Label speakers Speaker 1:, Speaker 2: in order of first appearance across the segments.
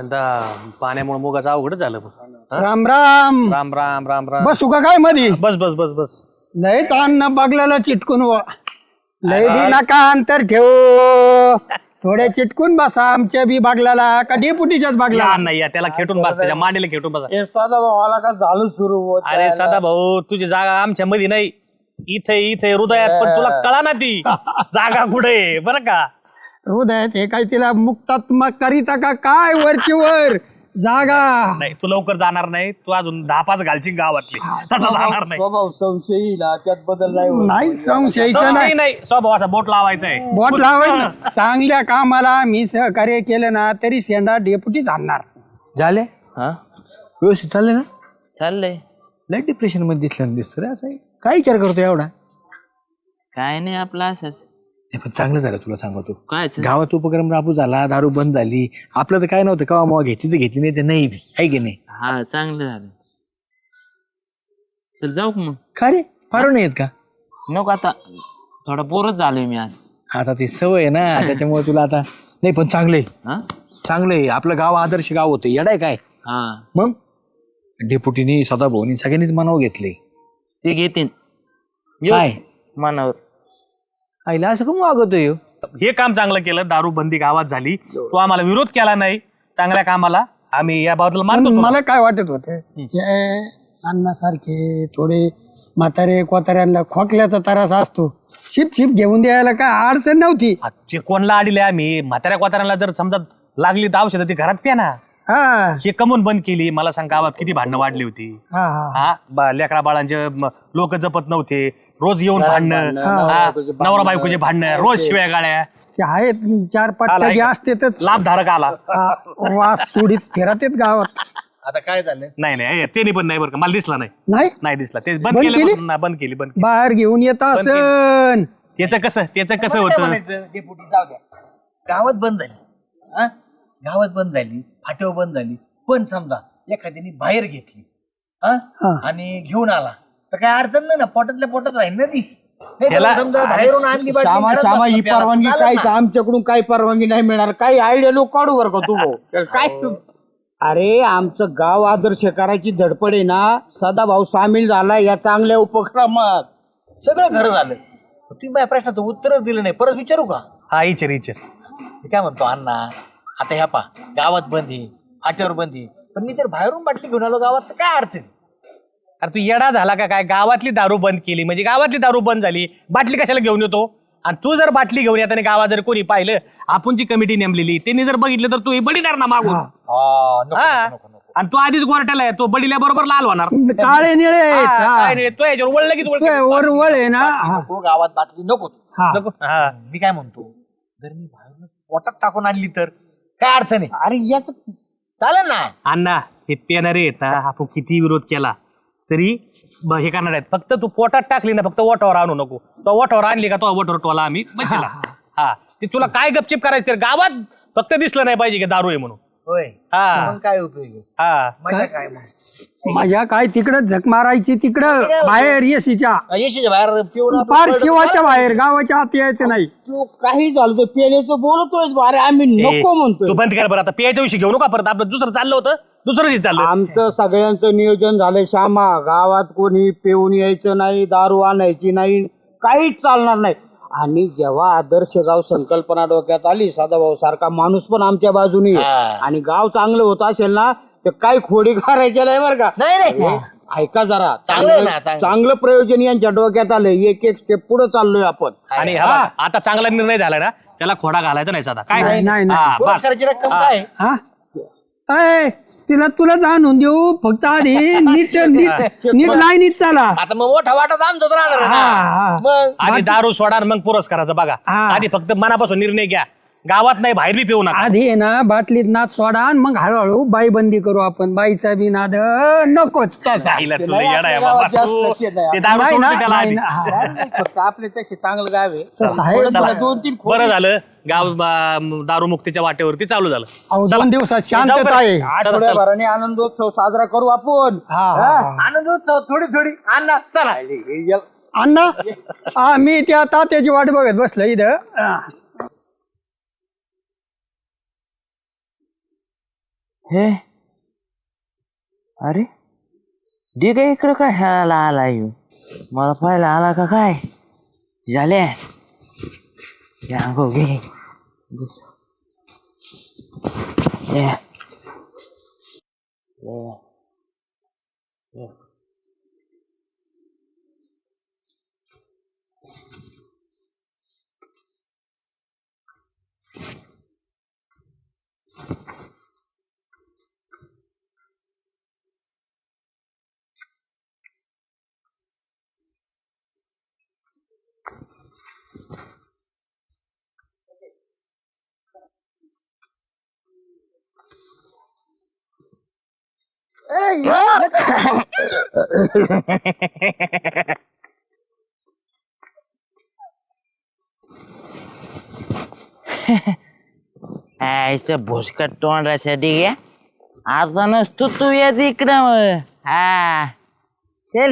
Speaker 1: आता पाण्यामुळे मुगाचं अवघडच झालं.
Speaker 2: राम राम
Speaker 1: राम राम राम राम.
Speaker 2: बसू का काय मधी?
Speaker 1: बस बस बस बस.
Speaker 2: लयच अन्न बगल्याला चिटकून लय बी नका अंतर ठेवू. थोड्या चिटकून बसा आमच्या बी बागल्याला का डेपुटीच्याच बागला.
Speaker 1: नाही या त्याला खेटून बस, त्याच्या मांडीला खेटून बसा.
Speaker 3: साधा भावाला का झालं सुरू
Speaker 1: अरे सदा भाऊ, तुझी जागा आमच्या मध्ये नाही, इथे इथे हृदयात, पण तुला कळा ना ती जागा कुठे बरं का.
Speaker 2: हृदयात हे काय तिला मुक्तात्मक करीता का काय वरची वर जागा.
Speaker 1: नाही तू लवकर जाणार नाही, तू अजून 10-5 घालची गावातली, तसा जाणार नाही.
Speaker 3: स्वभाव संशयी त्यात बदल
Speaker 2: नाही संशयचं
Speaker 1: संशय
Speaker 2: नाही.
Speaker 1: नाही, स्वभावाचा बोट लावायचा आहे.
Speaker 2: बोट लावायचं. चांगल्या कामाला मी सहकार्य केलं ना तरी शेंडा डेपुटी आणणार.
Speaker 4: झाले हा व्यवस्थित चालले ना?
Speaker 5: चाललंय.
Speaker 4: लय डिप्रेशन मध्ये दिसतो रे. असं आहे. काय विचार करतो एवढा?
Speaker 5: काय नाही आपलं असंच.
Speaker 4: नाही, पण चांगलं झालं तुला सांगतो.
Speaker 5: काय
Speaker 4: गावात उपक्रम राबू झाला, दारू बंद झाली. आपलं तर काय नव्हतं, कवा मग घेतली तर घेतली, नाही तर नाही बी, आहे की नाही?
Speaker 5: हा चांगलं झालं. चल जाऊ का मग?
Speaker 4: का रे फार नाही येत का?
Speaker 5: नको आता, थोडा बोरच झालोय मी आज.
Speaker 4: आता ती सवय आहे ना त्याच्यामुळे तुला आता नाही. पण चांगलंय
Speaker 5: हा
Speaker 4: चांगलंय. आपलं गाव आदर्श गाव होतं. येडाय काय
Speaker 5: हा
Speaker 4: मग? डेपुटीनी सदाभाऊनी सगळ्यांनीच मनावर घेतले.
Speaker 5: ते घेतीन
Speaker 4: काय
Speaker 5: मनावर.
Speaker 4: आईला असं कमी वागवतोय?
Speaker 1: हे काम चांगलं केलं, दारू बंदी गावात झाली, तू आम्हाला विरोध केला नाही चांगल्या कामाला, आम्ही या बाबतीला मानतो.
Speaker 2: मला काय वाटत होतं अन्नासारखे थोडे म्हातारे कोताऱ्यांना खोकल्याचा त्रास असतो, शिप शिप घेऊन द्यायला काय अडचण नव्हती.
Speaker 1: ते कोणला आलेले आम्ही म्हाताऱ्या कोताऱ्याला जर समजा लागली तर औषधं ती घरात प्या ना.
Speaker 2: हा
Speaker 1: हे कमून बंद केली. मला सांग गावात किती भांडणं वाढली होती.
Speaker 2: हा हा
Speaker 1: लेकरा बाळांचे लोक जपत नव्हते, रोज येऊन भांडणं, नवरा बायकोचे भांडणं, रोज शिव्या गाळ्या.
Speaker 2: ते आहेत 4-5 टक्के असतेच.
Speaker 1: लाभधारक आला
Speaker 2: वास सोडीत फिरत येत गावात.
Speaker 3: आता काय झालं?
Speaker 1: नाही ते पण नाही बरं का, मला दिसला नाही.
Speaker 2: नाही
Speaker 1: दिसला ते
Speaker 2: बंद
Speaker 1: बंद
Speaker 2: केली?
Speaker 1: केलं. बंद केली.
Speaker 2: बाहेर घेऊन येत असन.
Speaker 1: त्याचं कसं होतं.
Speaker 3: डेपुटी जाऊ द्या, गावात बंद झाली. हा गावात बंद झाली, फाट्यावर बंद झाली, पण समजा एखाद्याने बाहेर घेतली आणि घेऊन आला तर काय अडचण नाही ना, पोटातल्या पोटात राहील ना ती. नाही तर समजा बाहेरून आणली बाटली,
Speaker 6: श्यामा
Speaker 3: घरात
Speaker 6: श्यामा
Speaker 3: बसला
Speaker 6: ही
Speaker 3: प्यायला,
Speaker 6: परवानगी
Speaker 3: चालत
Speaker 6: काय
Speaker 3: ना.
Speaker 6: आमच्याकडून काही परवानगी नाही मिळणार. काही आयडिया लोक काढू बरं का तू भाऊ. काय अरे आमचं गाव आदर्श करायची धडपड आहे ना, सदाभाऊ सामील झाला या चांगल्या उपक्रमात.
Speaker 3: सगळं खरं झालं. तुम्ही माझ्या प्रश्नाचं उत्तर दिलं नाही, परत विचारू का?
Speaker 1: हा इचर
Speaker 3: मी काय म्हणतो अण्णा, आता ह्या पा गावात बंदी, फाट्यावर बंदी, पण मी जर बाहेरून बाटली घेऊन आलो गावात तर काय अडचण?
Speaker 1: अरे तू येडा झाला का काय? गावातली दारू बंद केली म्हणजे गावातली दारू बंद झाली, बाटली कशाला घेऊन येतो? आणि तू जर बाटली घेऊन येताना गावात जर कोणी पाहिलं, आपण जी कमिटी नेमलेली त्यांनी जर बघितलं तर तू हे बडीणार ना मागून. आणि तू आधीच गोरट्याला आहे, तो बडील्या बरोबर लाल होणार.
Speaker 2: काळे निळे
Speaker 1: काय नाही, तो याच्यावर वळ लगेच
Speaker 2: वळ आहे ना.
Speaker 3: नको गावात बाटली नको.
Speaker 2: हा.
Speaker 3: मी काय म्हणतो, जर मी बाहेरून पोटात टाकून आणली तर काय अडचण आहे? अरे याच चालेल ना.
Speaker 1: अण्णा हे पेणारे आहेत ना, आपण किती विरोध केला तरी हे करणार आहेत. फक्त तू पोटात टाकली ना, फक्त वटावर आणू नको. तो वटावर आणली का तो वटावर टोला आम्ही बचला. हा ते तुला काय गपचिप करायचं तर गावात फक्त दिसलं नाही पाहिजे की दारू आहे म्हणून.
Speaker 3: होय
Speaker 1: हा
Speaker 3: मग काय उपयोग आहे?
Speaker 1: हा
Speaker 3: मजा काय मग?
Speaker 2: माझ्या काय तिकडं झक मारायची तिकडं बाहेर येशीच्या
Speaker 3: येशीच्या बाहेर पिऊन आपण
Speaker 2: फार
Speaker 3: पडलो
Speaker 2: शिवाच्या
Speaker 3: तर
Speaker 2: बाहेर, गावाच्या आत यायचं नाही.
Speaker 6: तू काही झालं तर पेलेचं बोलतोय. अरे आम्ही नको
Speaker 1: तू
Speaker 6: म्हणतोय.
Speaker 1: बंद कर बरं आता. पेयाच्या विषयी घेऊ नका परत. आपलं दुसरं चाललं होतं, दुसरंच चाललं.
Speaker 6: आमचं सगळ्यांचं नियोजन झालंय श्यामा. गावात कोणी पिऊन यायचं नाही, दारू आणायची नाही, काहीच चालणार नाही. आणि जेव्हा आदर्श गाव संकल्पना डोक्यात आली, सदाभाऊ सारखा माणूस पण आमच्या बाजूनी आहे, आणि गाव चांगलं होत असेल ना तर काही खोडी करायच्या नाही बरं का.
Speaker 3: नाही
Speaker 6: ऐका जरा,
Speaker 3: चांगलं आहे ना, चांगलं.
Speaker 6: चांगलं प्रयोजन यांच्या डोक्यात आलं. एक एक स्टेप पुढे चाललोय आपण.
Speaker 1: आणि हा बघ, आता चांगला निर्णय झाला ना, त्याला खोडा घालायचा नाही साधा. काय
Speaker 2: नाही, नाही.
Speaker 1: हा, बस.
Speaker 3: पुरस्काराची रक्कम काय?
Speaker 2: हा अय, तुलाच आणून देऊ, फक्त आधी नीट लाईनीत चाला.
Speaker 3: आता मग मोठा वाटत आमचाच राहणार आहे
Speaker 2: हा,
Speaker 3: ना.
Speaker 2: हा.
Speaker 3: मग
Speaker 1: आधी दारू सोडा आणि मग पुरस्काराचा बघा.
Speaker 2: हा.
Speaker 1: आधी फक्त मनापासून निर्णय घ्या, गावात नाही बाहेर बी पिऊ नका.
Speaker 2: आधी आहे ना बाटलीत नाद सोडा आणि मग हळूहळू बाई बंदी करू आपण. बाईचा बी नाद नकोच तसा.
Speaker 1: आईला तुला येडा आहे बाबा तू. ते दारू
Speaker 2: नाही
Speaker 1: सोडून
Speaker 2: ना,
Speaker 1: दे त्याला
Speaker 2: नाही
Speaker 1: आधी.
Speaker 2: ना. हा.
Speaker 6: फक्त आपले तसे चांगलं गाव आहे.
Speaker 2: तसं आहे.
Speaker 1: चला.
Speaker 6: 2-3
Speaker 1: बरं झालं गाव दारू मुक्तीच्या वाटेवरती चालू झालं.
Speaker 2: अहो,
Speaker 1: चला.
Speaker 2: 2 दिवसात
Speaker 1: जाऊ
Speaker 2: शांतता
Speaker 1: बरं.
Speaker 2: आहे.
Speaker 1: चला,
Speaker 6: आठवड्याभराने आनंदोत्सव साजरा करू आपण.
Speaker 3: आनंदोत्सव थोडी अण्णा चला.
Speaker 2: अण्णा मी त्या तात्याची वाट बघत बसलो इथं.
Speaker 5: हे अरे ठीक आहे इकडं काय ह्याला आला येऊ मला पाहायला आला का काय झाले या गो घे ये. ये. आईचं भोसकट तोंडासाठी घ्या आता नसतो तू येत इकडं मग हा चल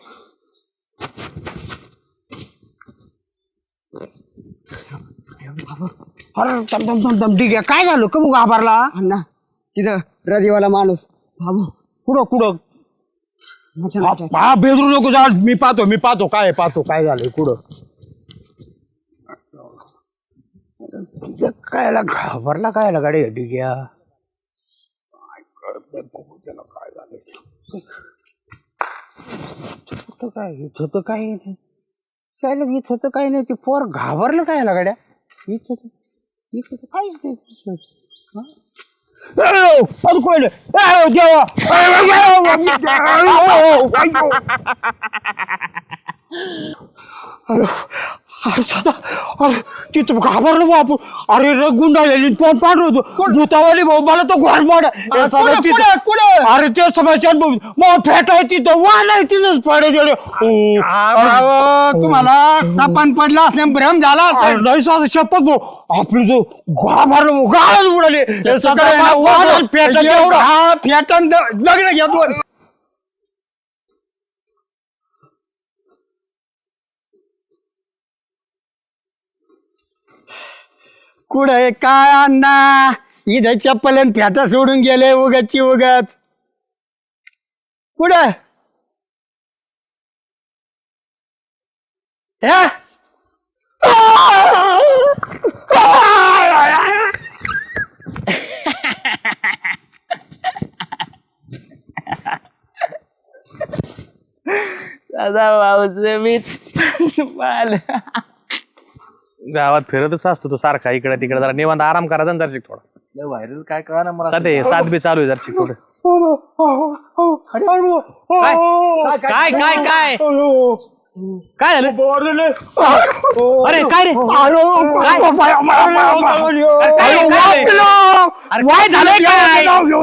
Speaker 6: अरे दम ठीक आहे काय झालं का मग घाबरला
Speaker 2: अण्णा तिथं रजेवाला माणूस बाबू
Speaker 6: कुठं कुठं
Speaker 2: मशाल
Speaker 6: हा बेदरू नको जा मी पाहतो काय झालंय कुठं कायला घाबरला कायला गाडी डिग्या काय झालं काय इथं तर काही नाही काय इथं तर काही नाही ते पोर घाबरलं कायला गाड्या इथं काय अरे तिथं घाबरलो बापू अरे रग गुंडाळलेली तोंड पाठवतो भूतावाली भाऊ मला तो घोड अरे ते समस्या मग फेट आहे तिथं वाण आहे तिथंच पडे गेले
Speaker 2: तुम्हाला सपान पडला असेल भ्रम झाला असेल
Speaker 6: नाही साधं शपथ भाऊ आपलं जो घाबरलो गाळच उडाले
Speaker 2: फेटन लग्न घ्या दोन कुठे काय अण्णा इथं चप्पल आणि फेटा सोडून गेले उगाची उगाच कुठे
Speaker 5: दादा भाऊचं मी
Speaker 1: गावात फिरतच असतो तो सारखा इकडे तिकडे जरा निवांत आराम करा जरा थोडा
Speaker 3: व्हायरल काय कळा ना मला
Speaker 1: सध्या सात बी चालू आहे जरा थोडं काय काय काय काय झालं अरे काय रे काय झालंय काय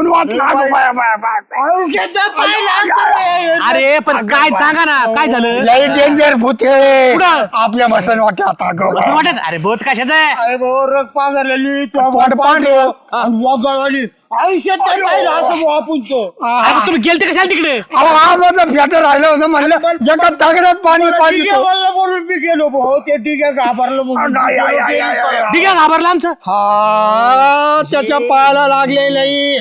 Speaker 1: अरे पण काय सांगा ना काय झालं
Speaker 2: लई डेंजर भूते
Speaker 1: कुठं?
Speaker 2: आपल्या मसन वाटत
Speaker 1: असं वाटत अरे बोत कशाचं आहे
Speaker 6: अरे भाऊ रग पांघरलेली पांढरं आणि वगळवाली आयुष्यात नाही राहिलं असं भाऊ आपण तो
Speaker 1: अरे तुम्ही गेलते कशाला तिकडे
Speaker 2: माझं फेटर राहिलं होतं म्हणलं एका दगडात पाणी पाहिजे
Speaker 6: मला बोलून मी गेलो भाऊ ते ठीक आहे घाबरलं म्हणून
Speaker 1: ठीक आहे घाबरला आमचं
Speaker 2: हा त्याच्या पायाला लागलेलं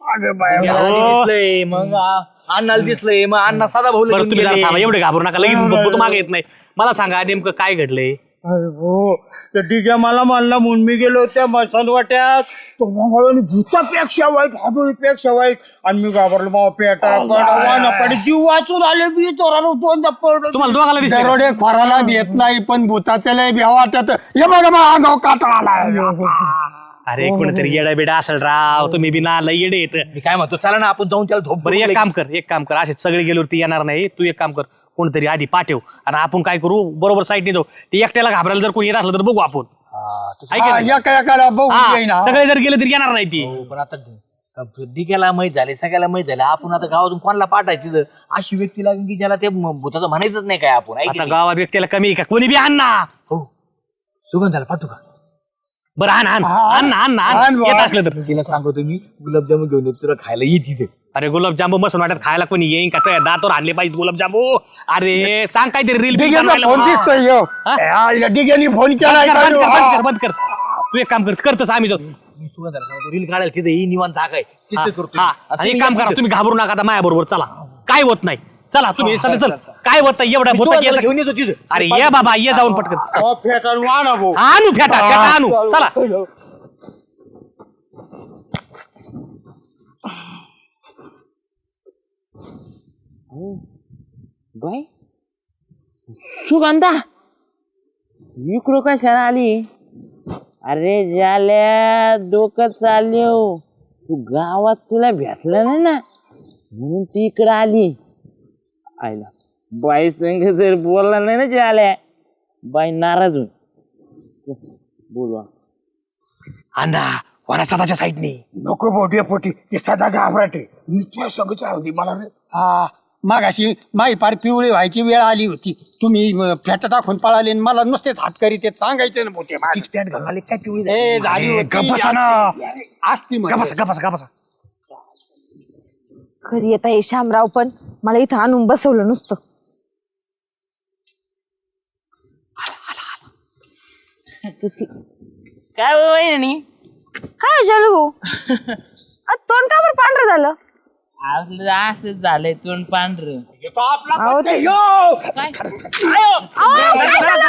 Speaker 3: मग अण्णाला दिसलंय मग अण्णा साधा भाऊ
Speaker 1: बरं तुम्ही जरा थांबा एवढे घाबरू नका लगेच बोत मागे येत नाही मला सांगा नेमकं काय घडलंय
Speaker 6: अरे हो ते ठीक आहे मला म्हणला म्हणून मी गेलो त्या मसन वाट्यात तो मंगळवारी भूतापेक्षा वाईट हाडोळीपेक्षा वाईट आणि मी घाबरलो बाबा पेटा पडे जीव वाचून आले मी तोरानं दोनदा पडलो
Speaker 1: तुम्हाला दोघाला दिसलं
Speaker 2: दरोडे खोराला भेट नाही पण भूताचं लय भ्या वाटत हे बघा मग अंगाव काटा आला
Speaker 1: अरे कोणतरी येडा बेडा असेल राव तुम्ही बी ना लय येडे येत
Speaker 3: मी काय म्हणतो चला ना आपण जाऊन त्याला धोप
Speaker 1: बरं एक काम कर असे सगळे गेल्यावरती येणार नाही तू एक काम कर कोणतरी आधी पाठव आणि आपण काय करू बरोबर साईडने जाऊ ते एकट्याला घाबरायला जर कोणी येत असलं तर बघू आपण आहे का नाही?
Speaker 2: एका एकाला बघू
Speaker 1: हा,
Speaker 2: येईना
Speaker 1: सगळे जर गेले तरी येणार नाही ती
Speaker 3: पण आता डिग्याला माहित झाले सगळ्याला माहित झाले आपण आता गावातून कोणाला पाठायचं अशी व्यक्ती लागेल की ज्याला ते भूताचं म्हणायचंच नाही काय आपण आहे की
Speaker 1: आता
Speaker 3: नाही?
Speaker 1: गावात व्यक्तीला कमी आहे का कोणी बी आण ना
Speaker 3: हो सुगंधाला पाठवू का
Speaker 1: बरं आण येत असलं तर
Speaker 3: तिला सांगतो मी गुलाबजामुन घेऊन येतो तुला खायला ये तिथे
Speaker 1: अरे गुलाबजामू मस्त वाटत खायला कोणी येईन का त्या दातवर आणले पाहिजे गुलाबजामू अरे सांग काहीतरी रील
Speaker 2: फोन दिसतोय डिगेनी फोन
Speaker 1: बंद कर तू एक काम कर करतस आम्ही जाऊ
Speaker 4: मी सुगंधाला सांगतो रील काढायला तिथे ही निवांत जागा आहे तिथे करतो
Speaker 1: हा आणि एक काम करा, तुम्ही घाबरू नका आता माझ्या बरोबर चला. काय होत नाही, चला तुम्ही चल चल. काय होत नाही एवढ्या भूता
Speaker 4: सुगंधाला घेऊन येतो तिथे.
Speaker 1: अरे ये बाबा ये जाऊन पटकन.
Speaker 6: फेटाळून आणा भाऊ.
Speaker 1: आणू फेटा फेटा आणू चला.
Speaker 5: बाय सुगंधा इकडं कशाला आली? अरे झाल्या डोकं चालले तू गावात तिला भेटला नाही ना म्हणून ती इकडं आली. आईला बाई संग जर बोलला नाही ना झाल्या बाई नाराज होईल. बोलवा
Speaker 1: अण्णा वरा सदाच्या साईडने.
Speaker 6: नको बोटी पोटी ते सदा घाबराटे मी तुला सांगत होती मला रे.
Speaker 2: हा मग अशी माई पार पिवळी व्हायची वेळ आली होती. तुम्ही फेटा टाकून पळाले आणि मला नुसतेच हात करीत ते सांगायचे ना मोठे
Speaker 4: पॅन्ट घालून आले काय पिवळी
Speaker 2: ए, झाली होती.
Speaker 1: गप्पा ना.
Speaker 2: असती म्हणजे.
Speaker 1: गपासा गपासा गपासा.
Speaker 7: घरी येत आहे श्यामराव पण मला इथं आणून बसवलं नुसतं.
Speaker 5: काय वहिनी
Speaker 7: काय झालं भाऊ? तोंड का बरं पांढरं झालं?
Speaker 5: आपलं असंच झालंय तोंड पांढरं.
Speaker 7: अहो, ते-
Speaker 5: काय?
Speaker 7: अहो, काय झालं?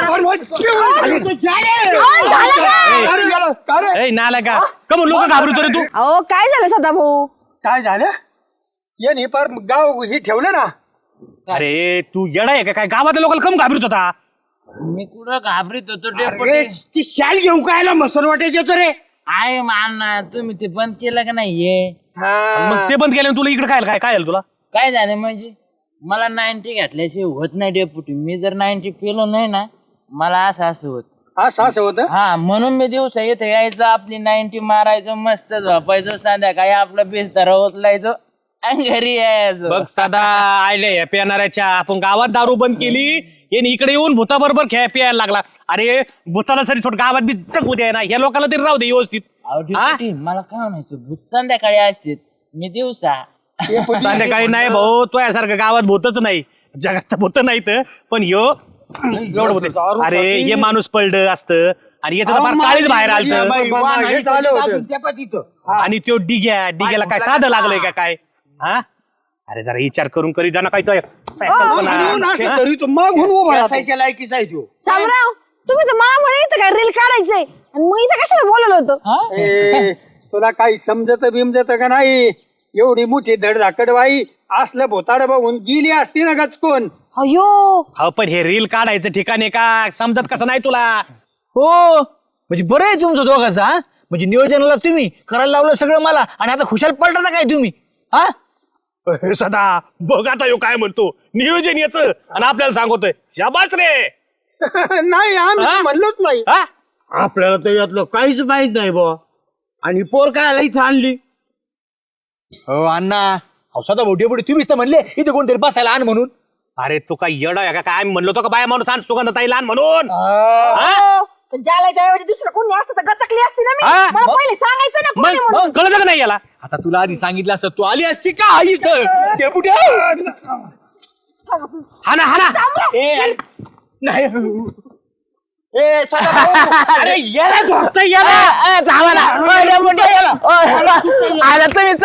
Speaker 7: झालं काय?
Speaker 1: ए नाला का कमून लोक घाबरतो रे तू.
Speaker 7: अहो काय झालं सदा भाऊ?
Speaker 2: काय झालं ये नाही पार गाव हे ठेवलं ना.
Speaker 1: अरे तू येडा आहे का काय? गावातल्या लोकांना कम घाबरत होता.
Speaker 5: मी कुठं घाबरीत होतो
Speaker 6: अरे
Speaker 5: डेपुटी.
Speaker 6: ती शाल घेऊन कायला मसर वाटेत येतो रे.
Speaker 5: आहे माना तुम्ही ते बंद केलं का नाहीये?
Speaker 1: मग ते बंद केलं तुला इकडे काय काय काय तुला.
Speaker 5: काय झालं म्हणजे मला 90 घातल्याशिवाय होत नाही डेपुटी. मी जर 90 पेलो नाही ना मला असं होत.
Speaker 2: असं होतं.
Speaker 5: हा म्हणून मी दिवसा इथे यायचो आपली 90 मारायचो मस्त झोपायचो संध्याकाळी आपला बिस्तर उचलायचो आणि घरी यायचो.
Speaker 1: बघ साधा आयले पिणाऱ्याच्या आपण गावात दारू बंद केली येणे इकडे येऊन भूता बरोबर खेळ प्यायला लागला. अरे भूताला सरी छोट गावात बी चकू द्या ना या लोकांना तरी राहू दे व्यवस्थित.
Speaker 5: अहो, डेपुटी, मला काय म्हणायचं भूत संध्याकाळी असते मी दिवसा.
Speaker 1: संध्याकाळी नाही भाऊ तो यासारखं गावात भूतच नाही जगात भूत नाहीत पण यो एवढं होत. अरे हे माणूस पडलं असतं आणि याचं फार काळीच बाहेर आलत.
Speaker 2: हे झालं होतं.
Speaker 1: आणि तो डिग्याला काय साधं लागलंय का काय? हा अरे जरा विचार करून करी जाणं काय
Speaker 2: म्हणून असं करीतो मग म्हणून उभा राहतो.
Speaker 6: असायच्या लायकीचा आहे तो.
Speaker 7: श्यामराव तुम्ही तर मला म्हणे इथं काय रील काढायचंय आणि मग इथं कशाला बोलवलं होतं?
Speaker 2: ए, तुला काही समजत बिमजत का नाही? एवढी मोठी धडधाकड बाई असलं भोताड बघून गेली असती ना गचकून.
Speaker 7: अयो
Speaker 1: हो पण हे रील काढायचं ठिकाण आहे का समजत कसं नाही तुला?
Speaker 4: हो म्हणजे बरं आहे तुमचं दोघांचं हा. म्हणजे नियोजनाला तुम्ही करायला लावलं सगळं मला आणि आता खुशाल पलटा ना काय तुम्ही हा.
Speaker 1: सदा बघ आता यो काय म्हणतो नियोजन याचं आणि आपल्याला सांगतोय शाबास रे.
Speaker 2: नाही आम्ही तर म्हणलोच नाही.
Speaker 1: हा
Speaker 6: आपल्याला तर यातलं काहीच माहित नाही बुवा. आणि पोर काय इथं आणली.
Speaker 4: हो अण्णा अहो सदा मोठे पुढे तुम्हीच तर म्हणले इथे कोणतरी बसायला आण म्हणून.
Speaker 1: अरे तू काय येडा आहे का काय? आम्ही म्हणलो तो का बाया माणूस आण सुगंधताई लहान म्हणून.
Speaker 7: जालाच्या ऐवजी दुसरं कोणी असतं तर गचकली असती ना
Speaker 1: हा?
Speaker 7: मी. मला पहिले सांगायचं ना कोणी म्हणून.
Speaker 1: मग कळलं का नाही याला?
Speaker 4: आता तुला आधी सांगितलं असतं तू आली असती का इथं? डेपुटी,
Speaker 1: हाना हाना.
Speaker 6: ए सदा भाऊ,
Speaker 1: अरे याला झोपतंय याला.
Speaker 5: आता तुम्ही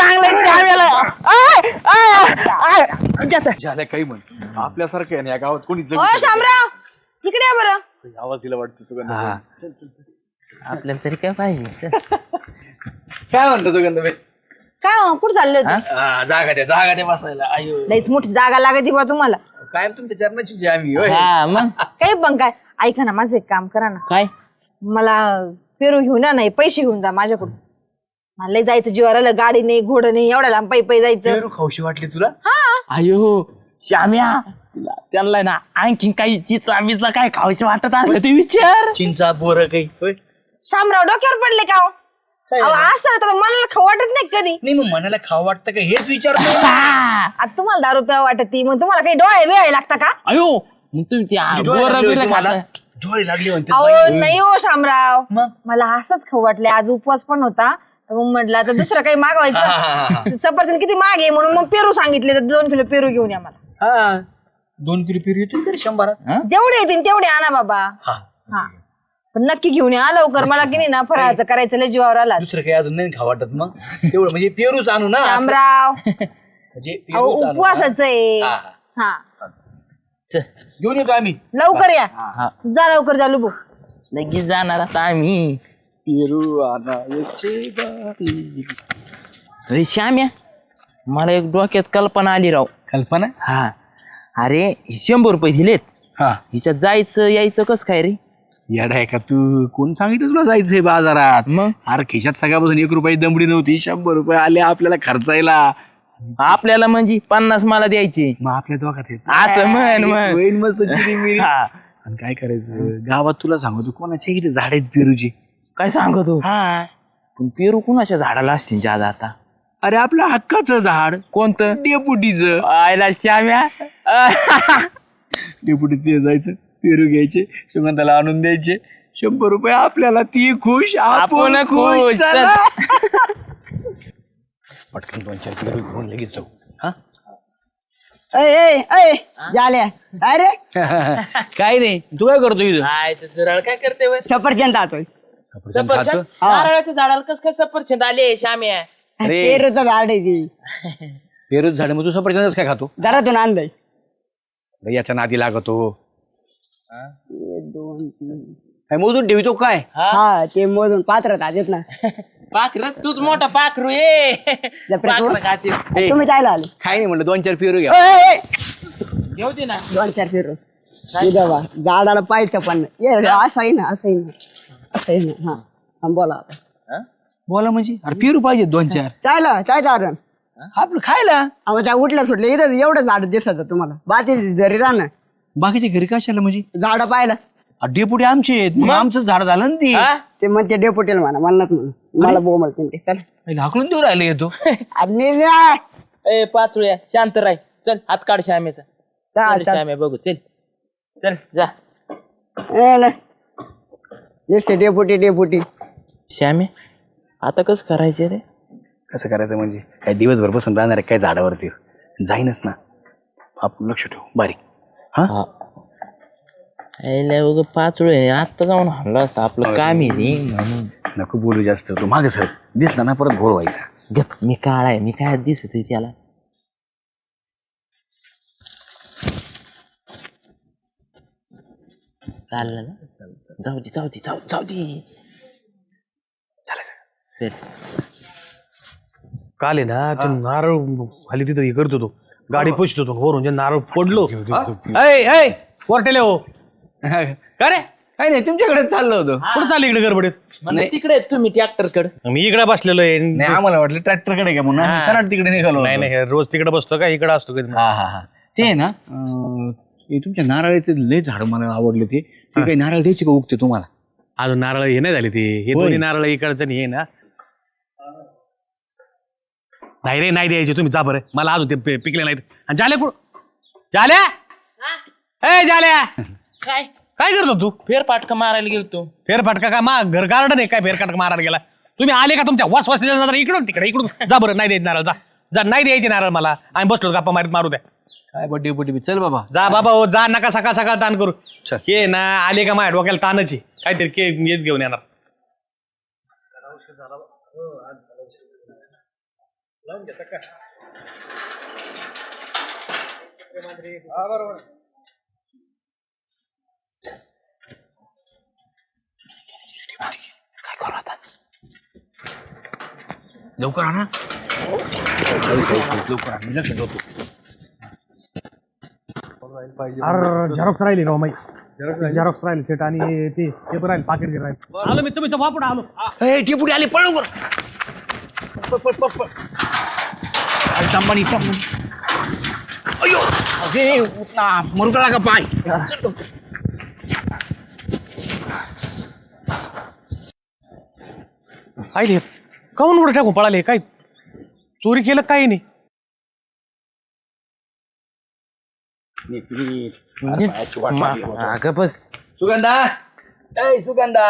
Speaker 5: चांगलं
Speaker 4: झाल्या काही म्हण आपल्यासारखं आहे ना या गावात कोणी
Speaker 7: ओ श्यामराव इकडे या बरं.
Speaker 4: आवाज दिला वाटतं सुगंध.
Speaker 5: आपल्याला तरी काय पाहिजे.
Speaker 4: काय म्हणतो सुगंध
Speaker 7: काय हो, कुठं चालले होते?
Speaker 4: जागा द्या बसायला. आयो
Speaker 7: लईच मोठी जागा लागते बा तुम्हाला.
Speaker 4: कायम तुमच्या चरणाची जी आम्ही होय.
Speaker 5: हा मग
Speaker 7: काही पण काय ऐका ना माझं एक काम करा ना.
Speaker 5: काय
Speaker 7: मला पेरू घेऊन या नाही पैसे घेऊन जा माझ्याकडून. मला लय जायचं जीवावर आलं. गाडी नाही घोडं नाही एवढ्या लांब पायी जायचं.
Speaker 4: पेरू खाऊशी वाटली तुला?
Speaker 5: अयो श्याम्या त्यांना ना आणखीन काही चिचा काय खाऊशी वाटत असलं ते विचार.
Speaker 4: चिंचा बोर काही होय.
Speaker 7: शामराव डोक्यावर पडले का हो? अहो, असं तर मला खाऊ वाटत नाही कधी.
Speaker 4: नाही मग मनाला खावं वाटतं का हेच विचारतो.
Speaker 7: आता तुम्हाला दारू प्यावं वाटत ती मग तुम्हाला काही डोळे वेळ लागता का?
Speaker 5: अयो मग तुम्ही ते
Speaker 4: डोळे
Speaker 5: बोरं
Speaker 4: लागले
Speaker 5: बिरं
Speaker 4: होते मला.
Speaker 5: खाता.
Speaker 4: डोळे लागले म्हणते
Speaker 7: अहो नाही हो शामराव
Speaker 4: मग?
Speaker 7: मला असंच खाऊ वाटले. आज उपवास पण होता तर मग म्हटलं आता दुसरं काही मागवायचं. सफरचंद किती माग आहे म्हणून मग पेरू सांगितले तर 2 किलो पेरू घेऊन या मला.
Speaker 4: हा 2 किलो पेरू येतील तरी 100.
Speaker 7: जेवढे येतील तेवढे आणा बाबा.
Speaker 4: हा
Speaker 7: हा पण नक्की घेऊन या लवकर, मला की नाही ना फराळाचं करायचं लय जीवावर आला.
Speaker 4: दुसरं काही अजून नाही खाऊ वाटत मग तेवढं म्हणजे पेरूच आणू ना असं.
Speaker 7: शामराव
Speaker 4: म्हणजे
Speaker 7: अहो,
Speaker 4: पेरूच आणू.
Speaker 7: उपवासाचं आहे.
Speaker 4: हा,
Speaker 7: हा
Speaker 5: चल
Speaker 4: घेऊन येतो आम्ही.
Speaker 7: लवकर या,
Speaker 5: हा
Speaker 7: जा लवकर जा लुबू.
Speaker 5: लगेच जाणार आता आम्ही. अरे श्याम्या, मला एक डोक्यात कल्पना आली राव.
Speaker 4: कल्पना.
Speaker 5: हा अरे 100 रुपये दिलेत,
Speaker 4: हा
Speaker 5: हिच्यात जायचं यायचं कस काय रे?
Speaker 4: येडा आहे का तू? कोण सांगितलं तुला जायचंय बाजारात?
Speaker 5: मग
Speaker 4: अरे खिशात सगळ्यापासून 1 रुपयाची दमडी नव्हती, 100 रुपये आले आपल्याला खर्चायला.
Speaker 5: आपल्याला म्हणजे 50 मला द्यायचे.
Speaker 4: मग आपल्या दोघात येत
Speaker 5: असं म्हण म्हण.
Speaker 4: होईन मस्त चिरीमिरी.
Speaker 5: हा.
Speaker 4: आणि काय करायचं गावात तुला सांगतो कोणाच्या इथे झाड आहेत पेरूची.
Speaker 5: काय सांगतो?
Speaker 4: हा
Speaker 5: पण पेरू कुणाच्या झाडाला असतील जादा आता?
Speaker 4: अरे आपलं हक्काचं झाड
Speaker 5: कोणतं?
Speaker 4: डेपुटीचं.
Speaker 5: आयला श्याम्या.
Speaker 4: डेपुटीचं जायचं पेरू घ्यायचे सुगंधाला आणून द्यायचे 100 रुपये आपल्याला, ती खुश आपण
Speaker 5: आपण खुश.
Speaker 4: खुश.
Speaker 5: चल.
Speaker 4: चला. पटकन 2-4 पेरू घेऊन लगेच जाऊ. हा
Speaker 2: झाल्या अरे
Speaker 4: काय नाही तू काय करतो इथं?
Speaker 5: सरळ काय करते बस?
Speaker 2: सफरचंद खातोय.
Speaker 4: सफरचंद खातो?
Speaker 5: नारळाच्या झाडाला कस काय सफरचंद आले श्याम्या?
Speaker 4: अरे
Speaker 2: पेरूचं झाड आहे ती,
Speaker 4: पेरूच झाड मग तू सफरचंदच काय खातो?
Speaker 2: घरातून आणलंय.
Speaker 4: लय याच्या नादी लागतो. काय मोजून ठेवतो काय?
Speaker 2: हा ते मोजून पात्रात आहेत ना.
Speaker 5: पाखरच तूच मोठा पाखरू ये. पाखरं खाते.
Speaker 4: ए,
Speaker 2: तुम्ही जायला आले.
Speaker 4: काय नाही म्हणलं 2-4 पेरू घ्या.
Speaker 5: घेऊ दे ना.
Speaker 2: 2-4 पेरू बा झाडाला पाहायचं पण नाही. ये असं आहे ना, असं आहे ना, असं आहे ना. हा बोला आता.
Speaker 4: बोला म्हणजे अरे पेरू पाहिजे 2-4
Speaker 2: चायला काय कारण
Speaker 4: आपलं खायला.
Speaker 2: अहो त्या उठल्या सुटल्या इथं एवढं झाड दिसत तुम्हाला, बाकी घरी राहणं
Speaker 4: बाकीच्या घरी कशाला म्हणजे?
Speaker 2: झाड पाहिलं
Speaker 4: डेपुटी आमचे आहेत मग आमचं झाड झालं ना ती.
Speaker 5: हा?
Speaker 2: ते म्हणते डेपुटीला म्हणा, म्हणत म्हणून मला बोल म्हणते ते. चल
Speaker 4: पहिले हाकलून देऊ राहिले येतो.
Speaker 2: आणि
Speaker 5: ए पाचूया शांत राय. चल हात काढ श्यामेचा. चल, श्याम्या बघू चल. चल जा.
Speaker 2: नुसते डेपुटी डेपुटी.
Speaker 5: श्यामे आता कसं करायचं रे?
Speaker 4: कसं करायचं म्हणजे काय दिवसभर बसून राहणार आहे काय झाडावरती? जाईनच ना. आपण लक्ष ठेवू बारीक. हा
Speaker 5: उग पाचूळ आता जाऊन हल्ला असतं, आपलं काम आहे रे म्हणून.
Speaker 4: नको बोलू जास्त. तू मागे सर दिसला ना परत घोळ व्हायचा.
Speaker 5: गप, मी काळा आहे, मी काय दिसत त्याला. चाललं ना? जाऊ दे जाऊ दे जाऊ दे. चल.
Speaker 1: काल आहे ना ते नारळ खाली तिथं हे करत होतो, गाडी पुसत होतो वरून जे नारळ पडलो. कोर्टेले हो का रे?
Speaker 4: काय नाही तुमच्याकडे चाललं होतं.
Speaker 1: कुठं चालली इकडे गडबडीत?
Speaker 5: म्हणजे तिकडे आहेत तुम्ही ट्रॅक्टर कडे.
Speaker 1: मी इकडे बसलेलो आहे.
Speaker 4: नाही आम्हाला वाटलं ट्रॅक्टरकडे का म्हणून आम्ही सरळ तिकडे निघालो.
Speaker 1: नाही नाही रोज तिकडे बसतो का इकडे असतो कधी?
Speaker 4: हा हा हा ते आहे ना हे तुमच्या नारळाचे लय झाड मला आवडले. ते काही नारळ द्यायचे का उगते तुम्हाला?
Speaker 1: अजून नारळ हे नाही झाले ते. हे
Speaker 4: होय.
Speaker 1: दोन्ही नारळ इकडचं आणि हे ना. नाही रे नाही द्यायचे तुम्ही, जा बरं. मला अजून ते पिकले नाहीत. आणि झाल्या कुठं? झाल्या ए झाल्या
Speaker 5: काय
Speaker 1: काय करतो तू?
Speaker 5: फेरपाटका मारायला गेलतो.
Speaker 1: फेरफटका का मा घर गार्डन आहे काय फेरफटका मारायला गेला? तुम्ही आले का तुमच्या वस वसलेल्या नजर इकडून तिकडे इकडून जा बरं. नाही द्यायचे नारळ, जा जा. नाही द्यायचे नारळ मला. आम्ही बसलो गप्पा मारीत, मारू द्या.
Speaker 4: काय बड्डे बड्डे चल बाबा.
Speaker 1: जा बाबा हो जा, नका सकाळ सकाळ ताण करू.
Speaker 4: चल.
Speaker 1: हे ना आले का माझ्या डोक्याला ताणच आहे. काहीतरी के हेच घेऊन येणार.
Speaker 5: काय करू आता?
Speaker 4: लवकर आणा. लवकर आण. मी लक्ष ठेवतो.
Speaker 1: अरे झेरॉक्स राहिली राव माई. झेरॉक्स राहिले सेट आणि ते पेपर राहिले पाकिट घे राहिले. आलो मी तुमच्या वापरून आलो.
Speaker 4: ए डेपुटी आले पळ लवकर. तंबानी तंबानी. अयो अरे उठना मुरगळा का पाय.
Speaker 1: आईले काऊन उडं टाकू पळाले? काय चोरी केलं काही नाही.
Speaker 5: अगं बस.
Speaker 4: सुगंधा ए सुगंधा.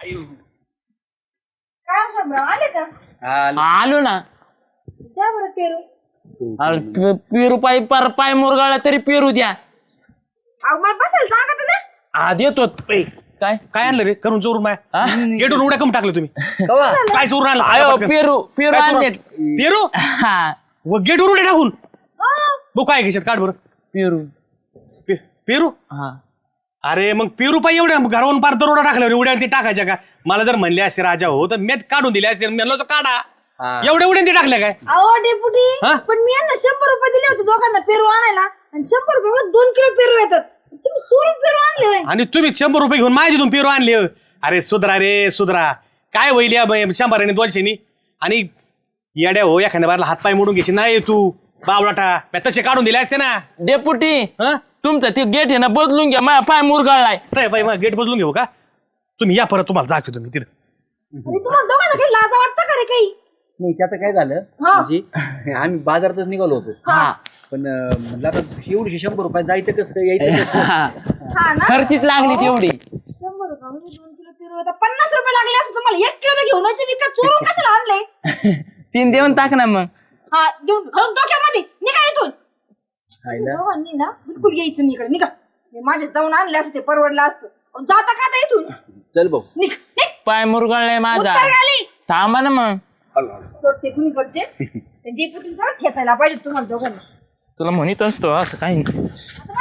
Speaker 7: काय शामराव आले का?
Speaker 5: आलो ना.
Speaker 7: द्या बरं पेरू.
Speaker 5: अरे पेरू पाय मुरगाळला तरी पेरू द्या.
Speaker 7: अहो मला बसायला जागा तर द्या.
Speaker 5: देतो. काय
Speaker 1: काय आणलं रे करून चोरून माया गेटून उड्या कम टाकलं तुम्ही काय चोरून आणलं
Speaker 5: आयो
Speaker 1: सांगा पटकन.
Speaker 5: पेरू पेरू
Speaker 1: काय चोरून
Speaker 5: आणले
Speaker 1: आणलं? पेरू
Speaker 5: हा
Speaker 1: व गेटवर उड्या टाकून बघ काय घेशात काढ बरं
Speaker 5: पेरू
Speaker 1: पेरू
Speaker 5: हा
Speaker 1: अरे मग पेरू पाहिजे एवढ्या घरावरून पार दरोडा टाकल्यावर उड्या ते टाकायच्या का मला जर म्हणले असते राजा हो तर मी काढून दिले असते म्हणलं होतं काढा एवढ्या उड्या ते टाकल्या काय
Speaker 7: अहो डेपुटी
Speaker 1: हा?
Speaker 7: पण मी यांना 100 रुपये दिले होते दोघांना पेरू आणायला आणि 100 रुपये 2 किलो पेरू येतात तुम्ही चोरून पेरू आणले होय.
Speaker 1: आणि तुम्ही 100 रुपये घेऊन माझ्यातून पेरू आणले अरे सुधरा रे सुधरा काय होईल या 100 आणि 200 आणि येड्या हो एखाद्या बारला हातपाय मोडून घ्यायची नाही तू बावडाटा तसे काढून दिले असते ना
Speaker 5: डेपुटी
Speaker 1: हं?
Speaker 5: तुमचं ते गेट आहे ना बदलून घ्या माझा पाय मुरगाळलाय
Speaker 1: नाही बाई मग गेट बदलून घेऊ का तुम्ही या परत तुम्हाला दाखवतो तुम्ही तिथं
Speaker 7: आणि तुम्हाला दोघांना काही लाजा वाटतं का रे काही
Speaker 6: नाही त्याचं काय झालं
Speaker 7: हा.
Speaker 6: म्हणजे आम्ही बाजारातच निघालो होतो
Speaker 5: हा
Speaker 6: पण म्हणलं आता एवढी 100 रुपये जायचं कसं यायचं कसं
Speaker 7: हा ना
Speaker 5: खर्चीच लागली तेवढी
Speaker 7: 100 रुपये 2 किलो पेरू येतात 50 रुपये लागले असते तुम्हाला 1 किलो तर घेऊन यायचे विकत चोरून कशाला आणले
Speaker 5: 3 देऊन टाक ना मग
Speaker 7: हा देऊन घालून डोक्यामध्ये निघा इथून दोघांनी ना बिलकुल यायचं नाही इकडे निघा मी माझे जाऊन आणले असते ते परवडलं असतं अहो, जाता का आता इथून
Speaker 6: चल भाऊ
Speaker 7: निघ निघ
Speaker 5: पाय मुरगाळलाय माझा
Speaker 7: उत्तर खाली
Speaker 5: थांबा ना मग
Speaker 7: तो टेकून इकडचे डेपुटी जरा खेचायला पाहिजे तुम्हाला दोघांना
Speaker 5: तुला म्हणत असतो असं काही नाही